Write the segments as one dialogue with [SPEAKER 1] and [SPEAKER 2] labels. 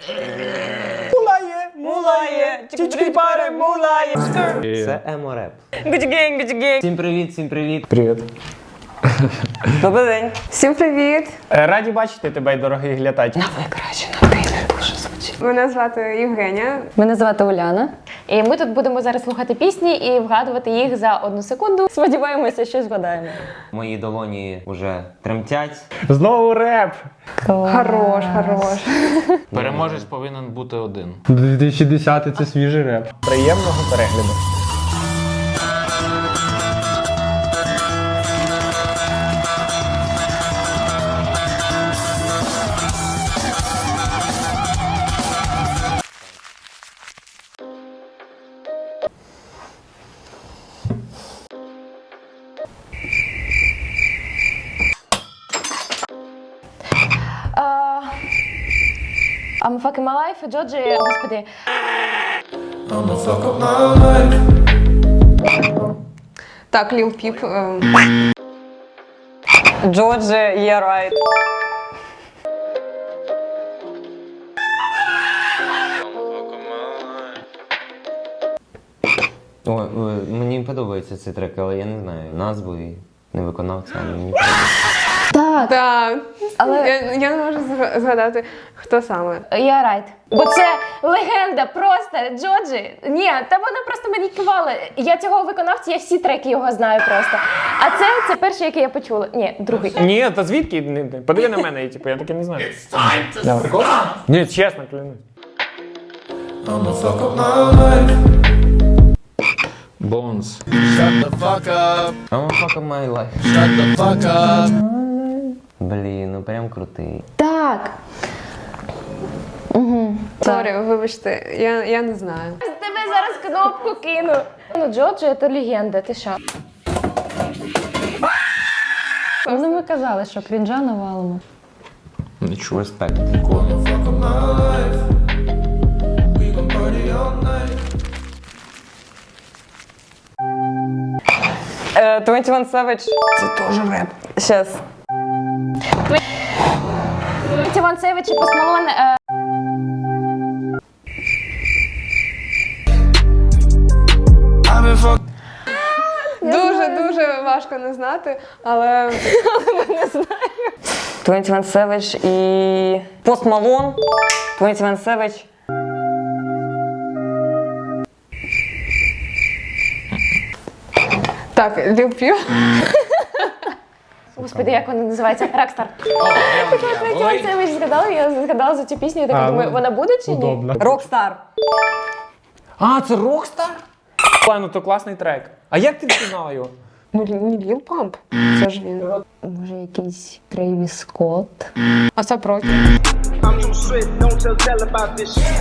[SPEAKER 1] Мулає, чички пари, мулає.
[SPEAKER 2] Це емо-реп.
[SPEAKER 1] Gucci gang, Gucci gang.
[SPEAKER 2] Всім привіт, всім привіт.
[SPEAKER 3] Привіт.
[SPEAKER 1] Добрий день.
[SPEAKER 4] Всім привіт!
[SPEAKER 3] Раді бачити тебе, дорогий глядач.
[SPEAKER 1] Ви краще на ти дуже звучить.
[SPEAKER 4] Мене звати Євгенія.
[SPEAKER 5] Мене звати Уляна.
[SPEAKER 1] І ми тут будемо зараз слухати пісні і вгадувати їх за 1 секунду.
[SPEAKER 5] Сподіваємося, що згадаємо.
[SPEAKER 2] Мої долоні вже тремтять.
[SPEAKER 3] Знову реп.
[SPEAKER 4] Хорош.
[SPEAKER 6] Переможець повинен бути один.
[SPEAKER 3] 2010 це свіжий реп. Приємного перегляду.
[SPEAKER 1] I'm fucking my life, Джоджі, господи.
[SPEAKER 4] Так, Lil Peep.
[SPEAKER 5] Джорджі, yeah right.
[SPEAKER 2] Ой, мені подобається цей трек, але я не знаю назву і не виконавця, але мені подобається.
[SPEAKER 4] Так.
[SPEAKER 5] Але-
[SPEAKER 4] Я не можу згадати, хто саме.
[SPEAKER 1] Я райт. Бо це легенда просто, Джоджі. Ні, та вона просто мені кивала. Я цього виконавця, я всі треки його знаю просто. А це перший, який я почула. Ні, другий.
[SPEAKER 3] Ні, та звідки? Подиви на мене, типу, я таке не знаю. Давай. Ні, чесно, клянусь.
[SPEAKER 6] Bones.
[SPEAKER 2] I'm fuck my life. Блін, ну прям крутий.
[SPEAKER 1] Так.
[SPEAKER 4] Сорі, вибачте, я не знаю.
[SPEAKER 1] Тебе зараз кнопку кину. Ну, Джоджі – це легенда, ти що?
[SPEAKER 5] Ну, ми казали, що крінжа навалимо.
[SPEAKER 6] Нічого.
[SPEAKER 2] Респект.
[SPEAKER 5] 21 Savage. Це теж реп. Щас.
[SPEAKER 1] Іван Севич і Пост Малон.
[SPEAKER 4] Дуже важко не знати, але
[SPEAKER 5] 21 Savage і Post Malone. 21 Savage.
[SPEAKER 4] так, Lil Peep.
[SPEAKER 1] Господи, як вона називається? Рокстар. Іван Севич згадала, я згадала за цю пісню, я так думаю, вона буде чи ні?
[SPEAKER 3] Удобно.
[SPEAKER 5] Rockstar.
[SPEAKER 3] А, це Rockstar? Ну то класний трек. А як ти впізнала його?
[SPEAKER 4] Ну, не Lil Pump. Це ж він.
[SPEAKER 5] Може, якийсь Трейвіс Скотт.
[SPEAKER 4] А це проти.
[SPEAKER 7] I'm too strict, don't tell about this shit.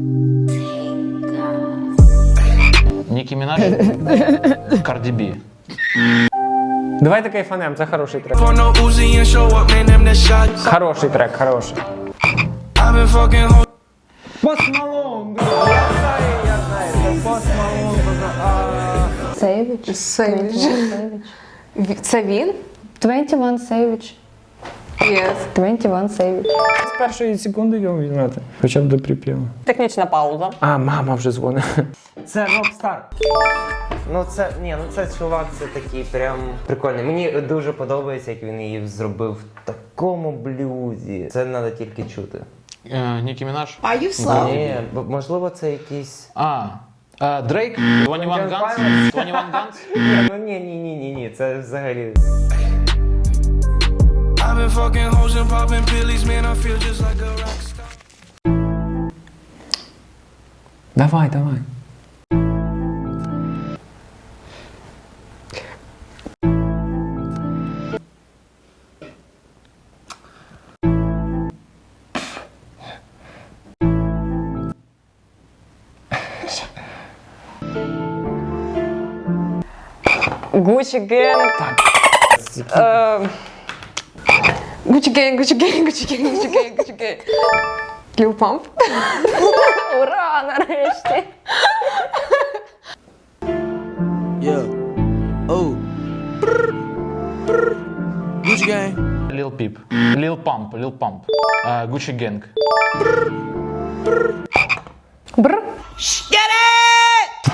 [SPEAKER 6] Нікі Мінаж. Карді Бі.
[SPEAKER 3] Давайте кайфанем, це хороший трек.
[SPEAKER 7] For no Uzi and show up, man, them the shot.
[SPEAKER 3] Хороший трек, хороший.
[SPEAKER 7] I've been fucking hoes.
[SPEAKER 3] Post Malone, я знаю, це Post Malone.
[SPEAKER 5] Savage.
[SPEAKER 4] Savage. Це він?
[SPEAKER 5] 21 Savage.
[SPEAKER 4] Yes.
[SPEAKER 5] 21 Savage.
[SPEAKER 3] З першої секунди його візьмете. Хоча б до припіву.
[SPEAKER 5] Технічна пауза.
[SPEAKER 3] А, мама вже дзвонить.
[SPEAKER 2] Це Rockstar. Ну це чувак, це такий прям прикольний. Мені дуже подобається, як він її зробив в такому блюзі. Це треба тільки чути.
[SPEAKER 6] Нікі Мінаж.
[SPEAKER 2] Ні, можливо, це якийсь...
[SPEAKER 6] Дрейк. 21 Guns. 21 Guns.
[SPEAKER 2] Ну ні, це взагалі...
[SPEAKER 7] I've been fucking hoes and popping pillies, man, I feel just like a rock star.
[SPEAKER 3] Давай.
[SPEAKER 5] Gucci Gang.
[SPEAKER 4] Gucci Gang. Lil Pump.
[SPEAKER 1] Ура, нарешті!
[SPEAKER 7] Yeah. Oh. Gucci gang.
[SPEAKER 6] Lil Peep. Lil Pump. Gucci Gang.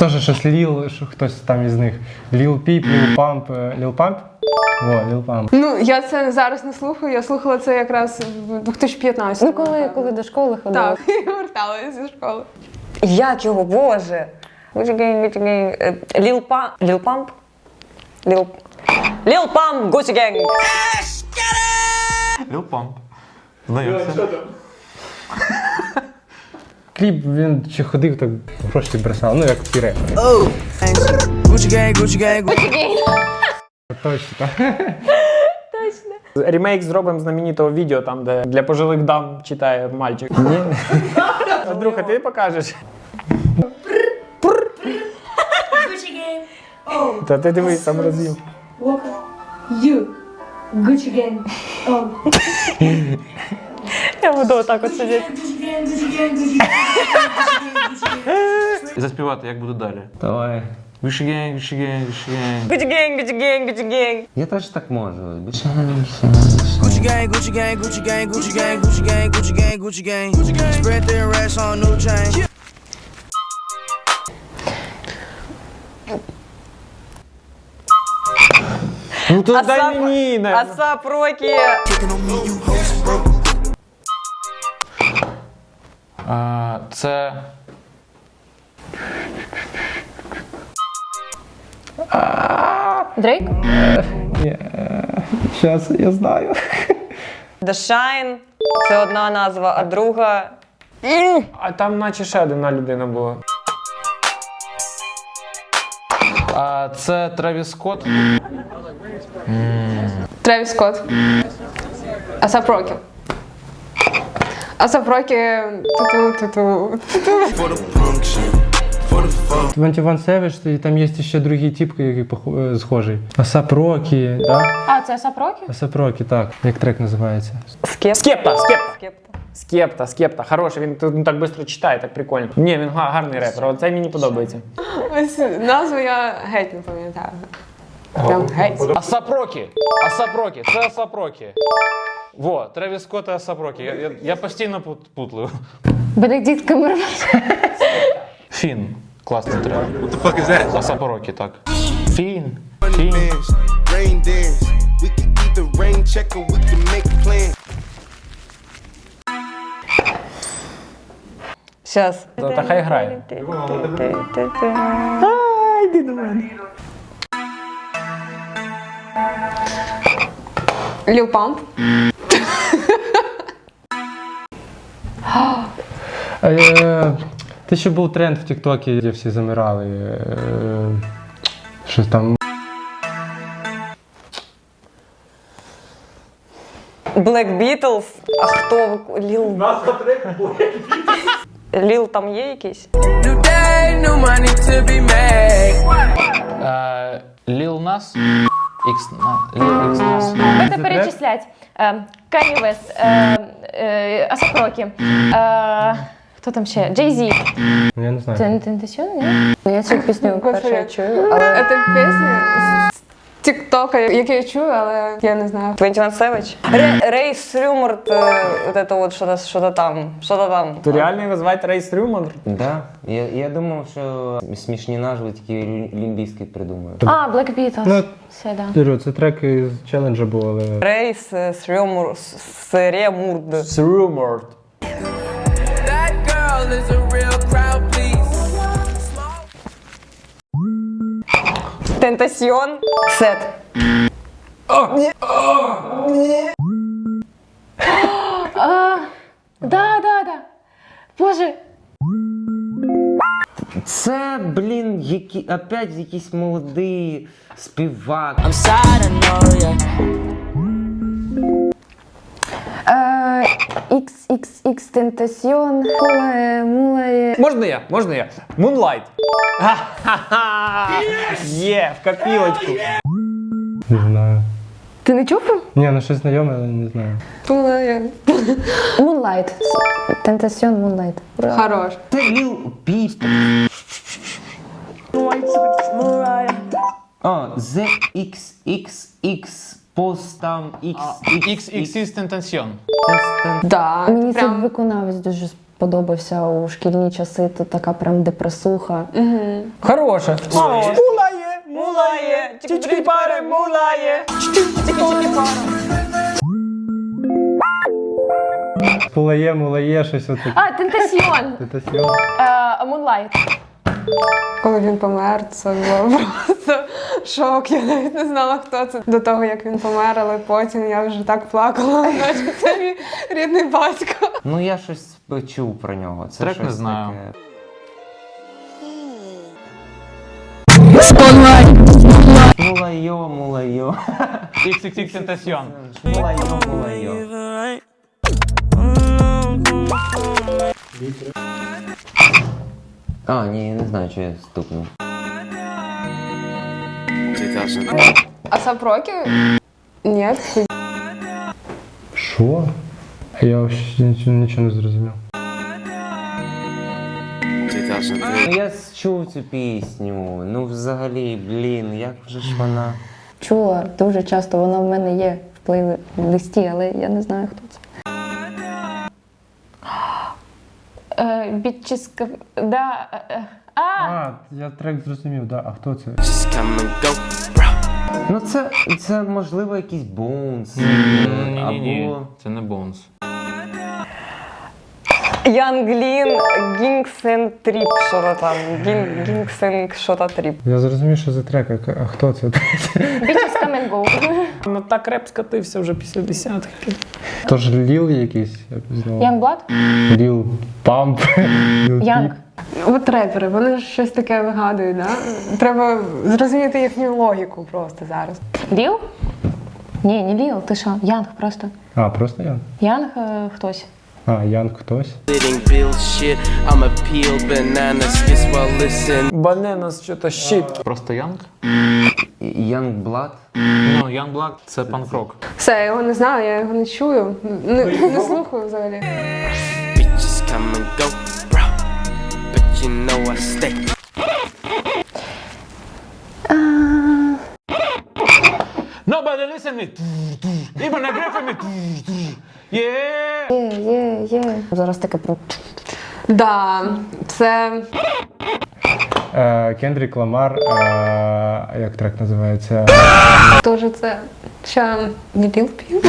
[SPEAKER 8] Теж щось Ліл, що хтось там із них. Ліл Піп, Ліл Памп. Ліл Памп? Во, Ліл Памп.
[SPEAKER 4] Ну, я це зараз не слухаю, я слухала це якраз в 2015.
[SPEAKER 1] Ну, коли до школи ходила.
[SPEAKER 4] Так, я верталася зі школи.
[SPEAKER 5] Як його, боже? Gucci Gang. Lil Pump? Lil Pump, Gucci Gang.
[SPEAKER 6] Lil Pump. Знаємося.
[SPEAKER 8] Кліп він чи ходив, так гроші бросав, ну як всі репери.
[SPEAKER 7] Gucci gang, Gucci gang, Gucci.
[SPEAKER 8] Точно.
[SPEAKER 3] Ремейк зробимо знаменитого відео, там, де для пожилих дам читає мальчик. Ні. Андрюха, ти покажеш? Та ти дивись, там роз'їм.
[SPEAKER 9] Gucci gang. Oh.
[SPEAKER 5] Я буду отак от сидіти.
[SPEAKER 6] І заспівати, як буде далі.
[SPEAKER 2] Давай.
[SPEAKER 6] Gucci gang, Gucci gang, Gucci gang.
[SPEAKER 5] Gucci Gang, Gucci Gang, Gucci Gang.
[SPEAKER 2] Я теж так можу.
[SPEAKER 7] Gucci gang, Gucci gang, Gucci gang, Gucci gang, Gucci gang, Gucci gang, Gucci gang. Spread their racks on new chain.
[SPEAKER 3] Ну то дай мені, не.
[SPEAKER 5] Асап Рокі.
[SPEAKER 6] Це...
[SPEAKER 1] Дрейк?
[SPEAKER 8] Зараз я знаю.
[SPEAKER 5] The Shine. Це одна назва, а друга...
[SPEAKER 3] А там наче ще одна людина була.
[SPEAKER 6] Це Тревіс Скотт.
[SPEAKER 4] Тревіс Скотт. Асап Рокі. Асап Рокі. Ту-ту-ту-ту.
[SPEAKER 7] For the punk shit. For the fuck.
[SPEAKER 8] 21 Savage, і там є ще другий тип, який схожий. Асап Рокі, да?
[SPEAKER 1] А, це Асап Рокі?
[SPEAKER 8] Асап Рокі, так. Як трек називається?
[SPEAKER 3] Скепта.
[SPEAKER 5] Скепта.
[SPEAKER 3] Скепта. Хороший, він тут так швидко читає, так прикольно. Ні, він гарний репер, оцей мені подобається.
[SPEAKER 4] Ось назву я геть не пам'ятаю. Прям геть.
[SPEAKER 6] Асап Рокі. Асап Рокі. Це Асап Рокі. Во, Тревіс Скотт і Асап Рокі. Я постійно путлю.
[SPEAKER 1] Бенедикт Камбербетч.
[SPEAKER 6] Фін. Класний трек. What the fuck is that? Асап Рокі, так. Фін. Фін.
[SPEAKER 7] Rain dance. We can either rain check or we can make plans.
[SPEAKER 5] Щас.
[SPEAKER 3] Та хай грає.
[SPEAKER 4] Ліл Памп.
[SPEAKER 8] Те, що був тренд в Тіктокі, де всі замирали. Що там?
[SPEAKER 5] Black Beatles. А хто? Ліл? Ліл там є якийсь?
[SPEAKER 7] New day, new money to be made.
[SPEAKER 6] Ліл Нас. Ліл Ікс Нас.
[SPEAKER 1] Будете перечислять. Кані Вест, Асап Рокі. Хто там ще? Джей Зі.
[SPEAKER 8] Я не знаю.
[SPEAKER 1] Це не Тентасьон, ні?
[SPEAKER 5] Я цю пісню вперше чую.
[SPEAKER 4] Це пісня з Тіктока, яку я чую, але я не знаю.
[SPEAKER 5] 21 Savage. Рейс Рюморт, вот это вот что-то там.
[SPEAKER 3] То реально його звати Рейс Рюмон?
[SPEAKER 2] Да. Я думав, що смішні назви тільки лімбійські придумаю.
[SPEAKER 1] А, Black Beatles.
[SPEAKER 8] Ну,
[SPEAKER 1] Все, да.
[SPEAKER 8] Кажу, це трек із челенджа був, але...
[SPEAKER 5] Рейс Рюморт.
[SPEAKER 3] Рюморт.
[SPEAKER 7] That girl is a real crowd, please.
[SPEAKER 5] Тентасьйон. Сет.
[SPEAKER 1] Да. Боже.
[SPEAKER 2] Це, блін, опять якийсь молодий співак.
[SPEAKER 1] XXX Тентасьон. Мулає.
[SPEAKER 3] Можна я? Moonlight. Ха-ха-ха. Є, в копілочку.
[SPEAKER 8] Не знаю.
[SPEAKER 1] Ти не чув?
[SPEAKER 8] Ні, ну щось знайоме, але не знаю.
[SPEAKER 1] Moonlight. Тентасьон Moonlight.
[SPEAKER 4] Хорош.
[SPEAKER 2] Це Ліл Піп. О, ZXXX постам XX.
[SPEAKER 6] XXX Тентасьйон.
[SPEAKER 4] Да,
[SPEAKER 1] Мені
[SPEAKER 4] прям
[SPEAKER 1] цей виконавець дуже
[SPEAKER 10] подобався у шкільні часи, то така прям депресуха.
[SPEAKER 3] Хороше. Мулає, мулає, чички пари, мулає.
[SPEAKER 8] Мулає, щось отаке.
[SPEAKER 1] А, Тентасьйон.
[SPEAKER 8] Тентасьйон.
[SPEAKER 1] Мунлайт.
[SPEAKER 4] Коли він помер, це було просто шок. Я навіть не знала, хто це до того, як він помер, але потім я вже так плакала, наче це мій рідний батько.
[SPEAKER 2] Ну я щось чув про нього. Це
[SPEAKER 6] Трек
[SPEAKER 2] щось
[SPEAKER 6] не знаю.
[SPEAKER 2] таке. Мулайо, мулайо.
[SPEAKER 6] XXX Tentacion.
[SPEAKER 2] Мулайо, мулайо. А, ні, я не знаю, що я стукнув.
[SPEAKER 4] А Сапрокі? Ні.
[SPEAKER 8] Що? Я взагалі нічого не зрозумів.
[SPEAKER 2] Ну я чув цю пісню. Ну взагалі, блін, як же ж вона.
[SPEAKER 10] Чула дуже часто, вона в мене є в плейлисті, але я не знаю, хто це.
[SPEAKER 1] Бітчиска... Да.
[SPEAKER 8] Я трек зрозумів, да. А хто це?
[SPEAKER 2] Ну це можливо якийсь Bones.
[SPEAKER 6] Ні-ні-ні,
[SPEAKER 2] Або...
[SPEAKER 6] це не Bones.
[SPEAKER 5] Янглін, Гінгсен Тріп, що то там. Гінгсен, що то Тріп.
[SPEAKER 8] Я зрозумів, що за трек, а хто це?
[SPEAKER 1] Бітчес Come and Go.
[SPEAKER 3] Ну так реп скатився вже після десятки.
[SPEAKER 8] Тож Ліл якийсь, я пізнав.
[SPEAKER 1] Youngblood?
[SPEAKER 8] Ліл Памп.
[SPEAKER 1] Янг.
[SPEAKER 4] От репери, вони ж щось таке вигадують, да? Треба зрозуміти їхню логіку просто зараз.
[SPEAKER 1] Ліл? Ні, не Ліл, ти що? Янг просто.
[SPEAKER 8] А, просто Янг?
[SPEAKER 1] Янг хтось.
[SPEAKER 8] А, Янг хтось.
[SPEAKER 3] Баненас що-то щит.
[SPEAKER 6] Просто Young?
[SPEAKER 2] Youngblood?
[SPEAKER 6] Ну, Youngblood – це панк-рок.
[SPEAKER 4] Все, я його не знаю, я його не чую. Не слухаю взагалі.
[SPEAKER 6] Nobody listen me. Even agree for me. Yeah.
[SPEAKER 10] Є. Зараз таке про...
[SPEAKER 4] Да, це
[SPEAKER 8] Кендрік Ламар, як трек називається?
[SPEAKER 4] теж це. Ще не Lil Peep?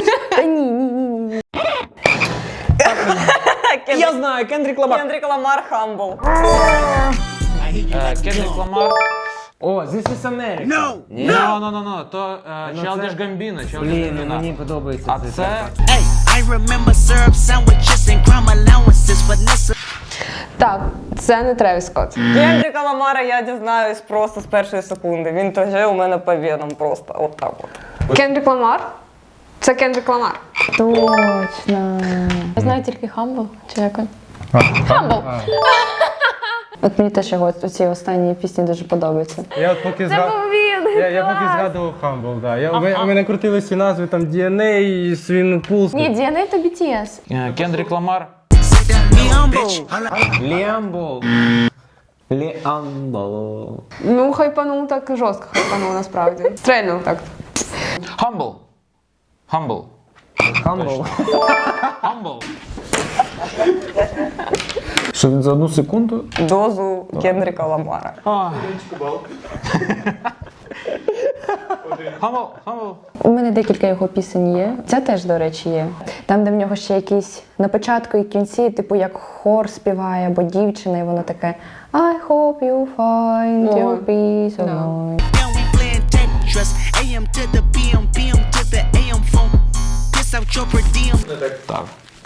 [SPEAKER 3] Я знаю, Кендрік Ламар.
[SPEAKER 5] Кендрік Ламар, Humble.
[SPEAKER 6] Kendrick Lamar.
[SPEAKER 2] О, This is America. Ні?
[SPEAKER 6] No. То Childish Gambino.
[SPEAKER 2] Блін, мені подобається
[SPEAKER 6] А
[SPEAKER 2] цей
[SPEAKER 6] це...
[SPEAKER 2] трек.
[SPEAKER 7] I remember syrup sandwiches and crime allowances, Vanessa.
[SPEAKER 4] Так, це не Тревіс Скотт.
[SPEAKER 5] Кендріка Ламара я дізнаюсь просто з першої секунди. Він теж у мене по венам просто. От так от.
[SPEAKER 4] Кендрік Ламар? Це Кендрік Ламар.
[SPEAKER 10] Точно.
[SPEAKER 1] Я знаю тільки Humble, чи як він?
[SPEAKER 8] Хамбл.
[SPEAKER 10] От мені теж його ці останні пісні дуже подобаються.
[SPEAKER 8] Я от поки
[SPEAKER 1] Це був він!
[SPEAKER 8] Я поки згадував Хамбл, да. У мене крутились ці назви, там DNA, Swing Pulse.
[SPEAKER 1] Ні, DNA то BTS.
[SPEAKER 6] Kendrick Lamar.
[SPEAKER 2] Ліамбол. Ліамбол.
[SPEAKER 4] Ну, хайпанув так жорстко хайпанув насправді. Стрельнув так.
[SPEAKER 6] Humble.
[SPEAKER 2] Хамбл.
[SPEAKER 6] Humble.
[SPEAKER 3] Що він за одну секунду?
[SPEAKER 5] Дозу Кендріка Ламара.
[SPEAKER 6] Humble.
[SPEAKER 10] У мене декілька його пісень є. Ця теж, до речі, є. Там, де в нього ще якісь на початку і кінці, типу як хор співає або дівчина, і воно таке I hope you find your peace of mind.
[SPEAKER 7] Now we playing Tetris. AM to the PM, PM to the AM phone. Piss out your per diem.
[SPEAKER 6] Так.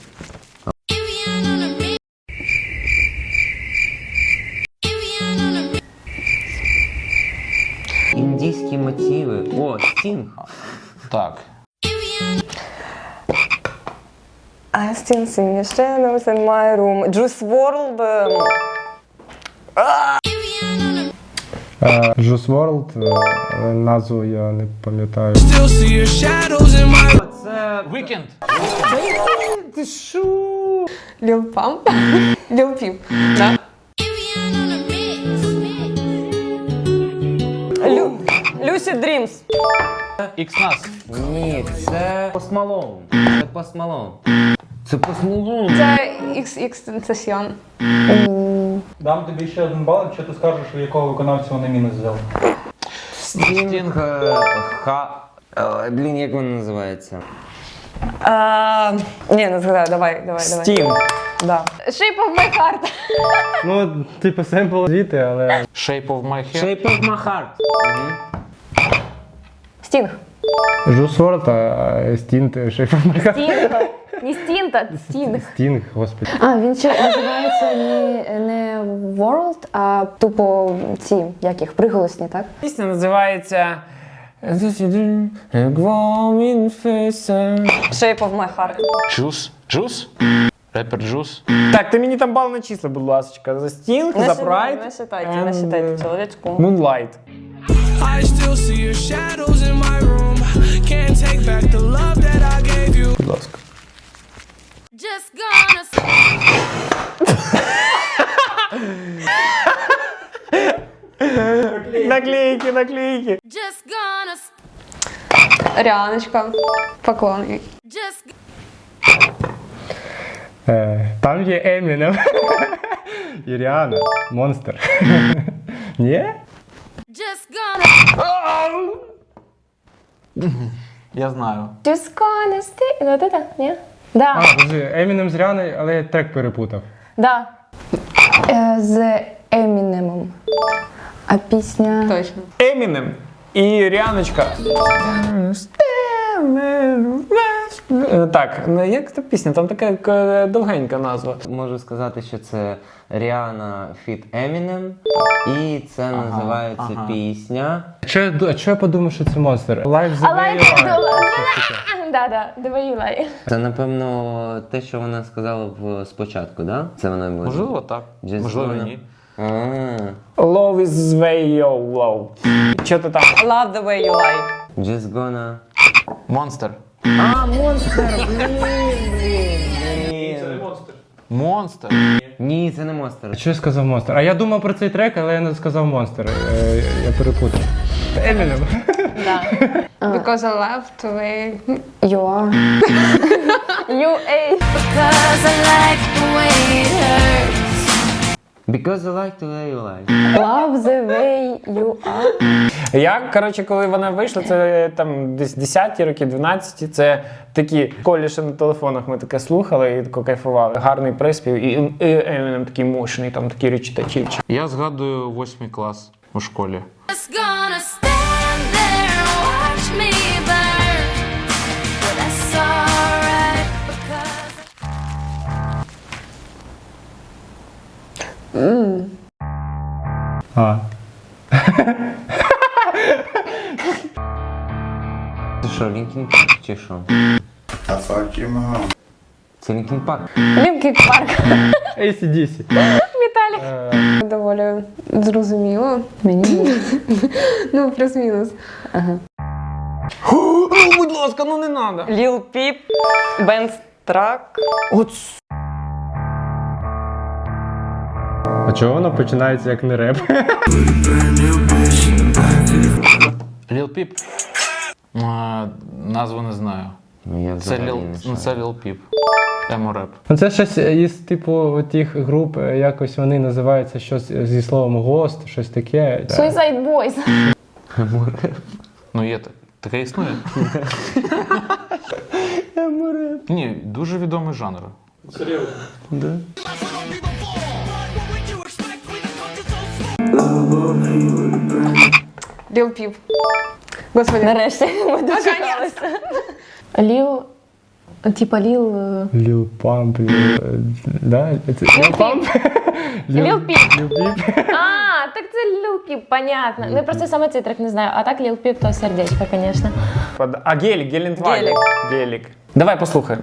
[SPEAKER 2] Індійські мотиви. О, Стінг.
[SPEAKER 6] Так.
[SPEAKER 5] I still sing shadows in my room. Juice WRLD.
[SPEAKER 8] Juice WRLD, але назву я не пам'ятаю.
[SPEAKER 7] Still see your shadows in my.
[SPEAKER 2] Це...
[SPEAKER 6] Weekend.
[SPEAKER 4] Lil Pump? Lil Peep, да?
[SPEAKER 5] Lucid Dreams.
[SPEAKER 6] X-Nas.
[SPEAKER 2] Ні, це Post Malone. Це Post Malone. Це посмолу.
[SPEAKER 4] Це XXXTentacion.
[SPEAKER 8] Дам тобі ще 1 бал, якщо ти скажеш, у якого виконавця вони мінус взяли.
[SPEAKER 2] Стінг. Блін, як вона називається?
[SPEAKER 5] Ні, не згадаю, давай.
[SPEAKER 3] Стінг.
[SPEAKER 5] Да.
[SPEAKER 1] Shape of my heart.
[SPEAKER 8] Ну, типу, семпл звідти, але...
[SPEAKER 6] Shape of my hair.
[SPEAKER 2] Shape of my heart.
[SPEAKER 1] Стінг.
[SPEAKER 8] Juice WRLD, а Стінт, Shape of my heart.
[SPEAKER 1] Стінг. Не стінг, а стінг.
[SPEAKER 8] Стінг, господи.
[SPEAKER 10] А, він ще називається не World, а тупо ці, як їх, приголосні, так?
[SPEAKER 3] Пісня називається
[SPEAKER 5] Shape of my heart.
[SPEAKER 6] Juice? Juice? Репер Juice?
[SPEAKER 3] Так, ти мені там бал начисли, будь ласка. За Стінг, за Pride
[SPEAKER 5] Не считайте, чоловічку.
[SPEAKER 3] Moonlight.
[SPEAKER 7] I still see your shadows in my room. Can't take back the love that I gave you.
[SPEAKER 3] Будь ласка.
[SPEAKER 9] Just gonna
[SPEAKER 3] Наклейки.
[SPEAKER 9] Just gonna
[SPEAKER 4] Ріаночка. Поклон їй.
[SPEAKER 9] just
[SPEAKER 8] Там є Емінем. І Ріана. Монстер. Ні?
[SPEAKER 9] just gonna
[SPEAKER 6] Я знаю.
[SPEAKER 1] Just gonna stay. Вот это? Ні? Да.
[SPEAKER 8] А, подожди, Емінем з Ріаною, але я трек перепутав.
[SPEAKER 1] Да.
[SPEAKER 10] З Емінемом. А пісня...
[SPEAKER 4] Точно.
[SPEAKER 3] Емінем і Ріаночка. Так, як та пісня? Там така довгенька назва.
[SPEAKER 2] Можу сказати, що це Ріана фіт Емінем, і це називається пісня.
[SPEAKER 8] Чого я подумав, що це монстер? Life the
[SPEAKER 1] I
[SPEAKER 8] way
[SPEAKER 1] like
[SPEAKER 8] you
[SPEAKER 1] it.
[SPEAKER 8] are.
[SPEAKER 1] Да, the way you lie.
[SPEAKER 2] Це, напевно, те, що вона сказала спочатку, да? Це вона буде.
[SPEAKER 6] Можливо, так.
[SPEAKER 2] Just
[SPEAKER 6] Можливо,
[SPEAKER 2] gonna-
[SPEAKER 6] ні.
[SPEAKER 3] Love is way yo low. Що ти там?
[SPEAKER 5] Love the way you lie.
[SPEAKER 2] Just gonna...
[SPEAKER 6] Монстер. Монстер.
[SPEAKER 2] Ні, це не монстр.
[SPEAKER 8] Що я сказав монстер? А я думав про цей трек, але я не сказав монстер. Я перепутав. Емінем.
[SPEAKER 4] Because I left away.
[SPEAKER 10] You are.
[SPEAKER 1] You ate.
[SPEAKER 9] because I like the way it hurts.
[SPEAKER 2] Because I like the way you like.
[SPEAKER 10] Love the way you are.
[SPEAKER 3] Я, коротше, коли вона вийшла, це там десь 10-ті роки, 12-ті, це такі коліші на телефонах ми таке слухали і тако кайфували. Гарний приспів і Емінем такий мощний, там такий речитативчик.
[SPEAKER 6] Я згадую 8 клас у школі.
[SPEAKER 9] Just gonna stand there and watch me burn. But that's alright because
[SPEAKER 8] А.
[SPEAKER 2] Це що, Лінкін Парк чи що? Це Лінкін Парк.
[SPEAKER 1] Лінкін Парк.
[SPEAKER 8] ACDC.
[SPEAKER 1] Віталік.
[SPEAKER 4] Доволі зрозуміло.
[SPEAKER 10] Мені
[SPEAKER 4] Ну, плюс-мінус.
[SPEAKER 3] Ну, будь ласка, ну не надо.
[SPEAKER 5] Lil Peep, Ben Strack.
[SPEAKER 3] От
[SPEAKER 8] А чого воно починається як не реп?
[SPEAKER 6] Lil Peep. Назву не знаю.
[SPEAKER 2] Ну, я
[SPEAKER 6] Це
[SPEAKER 2] взагалі не шарю.
[SPEAKER 6] Lil Peep. Емо-реп.
[SPEAKER 8] Ну це щось із типу тих груп, якось вони називаються щось зі словом гост, щось таке.
[SPEAKER 1] Suicide Boys.
[SPEAKER 6] Ну є так. Таке існує? Ні, дуже відомий жанр.
[SPEAKER 4] Lil Peep. Господи.
[SPEAKER 1] Нарешті ми дочекалися. Ліл. Типа Ліл.
[SPEAKER 8] Ліл Памп, да? Ліл Памп?
[SPEAKER 1] Ліл Піп.
[SPEAKER 8] Ліл Піп.
[SPEAKER 1] А, так це Ліл Піп, понятно. Ну я просто саме цей трек не знаю. А так Ліл Піп, то сердечко, звісно.
[SPEAKER 3] А гелік, Гелендваген.
[SPEAKER 5] Гелік.
[SPEAKER 3] Гелік. Давай послухаємо.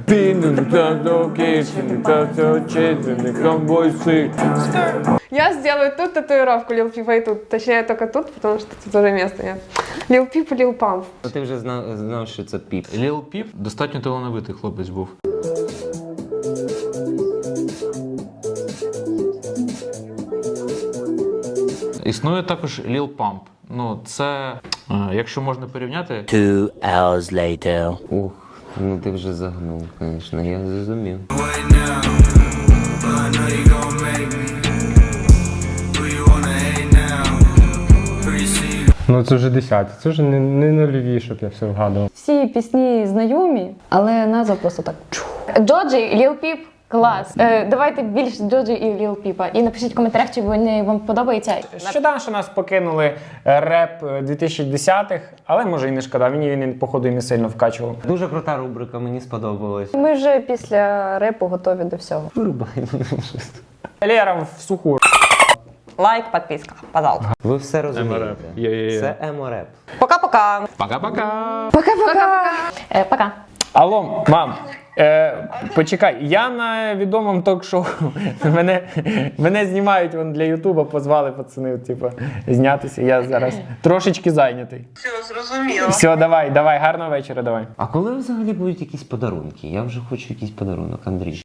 [SPEAKER 4] Я сделаю тут татуировку Lil Peep и тут. Точнее, только тут, потому что тут уже места нет. Lil Peep и Lil Pump.
[SPEAKER 2] Ну, ти вже знав, що це Піп.
[SPEAKER 6] Lil Peep достатньо талановитий хлопець був. Існує також Lil Pump. Ну, це, якщо можна порівняти,
[SPEAKER 7] 2 hours later.
[SPEAKER 2] Ух, Ну ти вже загнув, звісно, я зрозумів.
[SPEAKER 8] Ну це вже 10, це вже не нульові, щоб я все вгадував.
[SPEAKER 10] Всі пісні знайомі, але назва просто так.
[SPEAKER 1] Джоджі, Ліл Піп, клас. Давайте більш Джоджі і Ліл Піпа. І напишіть в коментарях, чи вони вам подобаються.
[SPEAKER 3] Шкода, що нас покинули реп 2010-х, але може і не шкода, він походу і не сильно вкачував.
[SPEAKER 2] Дуже крута рубрика, мені сподобалось.
[SPEAKER 10] Ми вже після репу готові до всього.
[SPEAKER 2] Вирубай.
[SPEAKER 3] Лера в суху.
[SPEAKER 5] Лайк, підписка, пожалуйста.
[SPEAKER 2] Ви все розумієте.
[SPEAKER 6] Емореп. Є.
[SPEAKER 2] Це емореп.
[SPEAKER 5] Пока-пока.
[SPEAKER 6] Пока-пока.
[SPEAKER 1] Пока.
[SPEAKER 3] Алло, мам, почекай, я на відомому ток-шоу. Мене знімають вон, для Ютуба, позвали пацани, типу, знятися. Я зараз трошечки зайнятий.
[SPEAKER 5] Все, зрозуміло.
[SPEAKER 3] Все, давай, гарного вечора, давай.
[SPEAKER 2] А коли взагалі будуть якісь подарунки? Я вже хочу якийсь подарунок, Андрій.